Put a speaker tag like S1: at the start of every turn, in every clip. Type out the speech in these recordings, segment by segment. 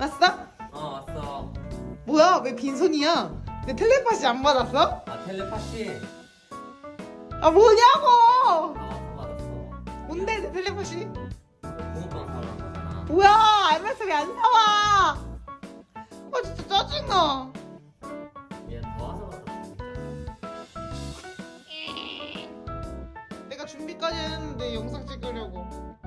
S1: 왔어?
S2: 왔어.
S1: 뭐야 왜 빈손이야? 내 텔레파시 안 받았어?
S2: 텔레파시.
S1: 아 뭐냐고!
S2: 왔어, 받았어.
S1: 뭔데 내 텔레파시?
S2: 붕어빵 사러 간 거잖아.
S1: 뭐야 알면서 왜 안 사와? 아 진짜 짜증나.
S2: 얘 더 와서 받았어.
S1: 내가 준비까지 했는데 영상 찍으려고.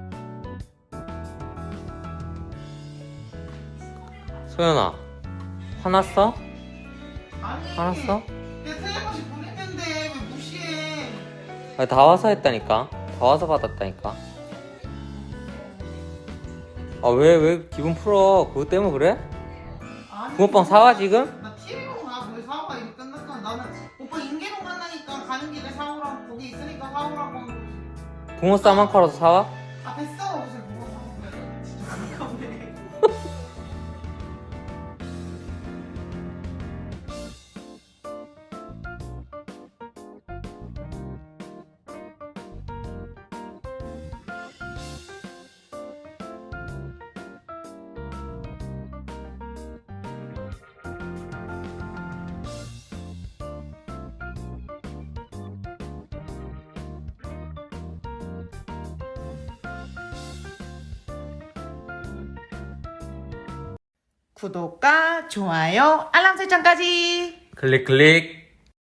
S2: 소연아, 화났어?
S1: 아니
S2: 화났어?
S1: 내 텔레파시 보냈는데 왜 무시해?
S2: 다 와서 했다니까. 다 와서 받았다니까. 왜 기분 풀어? 그것 때문에 그래?
S1: 아니,
S2: 붕어빵 사와 지금?
S1: 나 TV로 가. 거기 사와. 이거 끝났잖아. 나는 오빠 인계로 만나니까 가는 길에 사오라고. 거기 있으니까 사오라고 한 거지.
S2: 붕어 쌈 한 칼라도 사와?
S1: 아 됐어. 무슨 뭐가 사온 거야. 진짜 아깝네. 구독과 좋아요, 알람 설정까지.
S2: 클릭 클릭.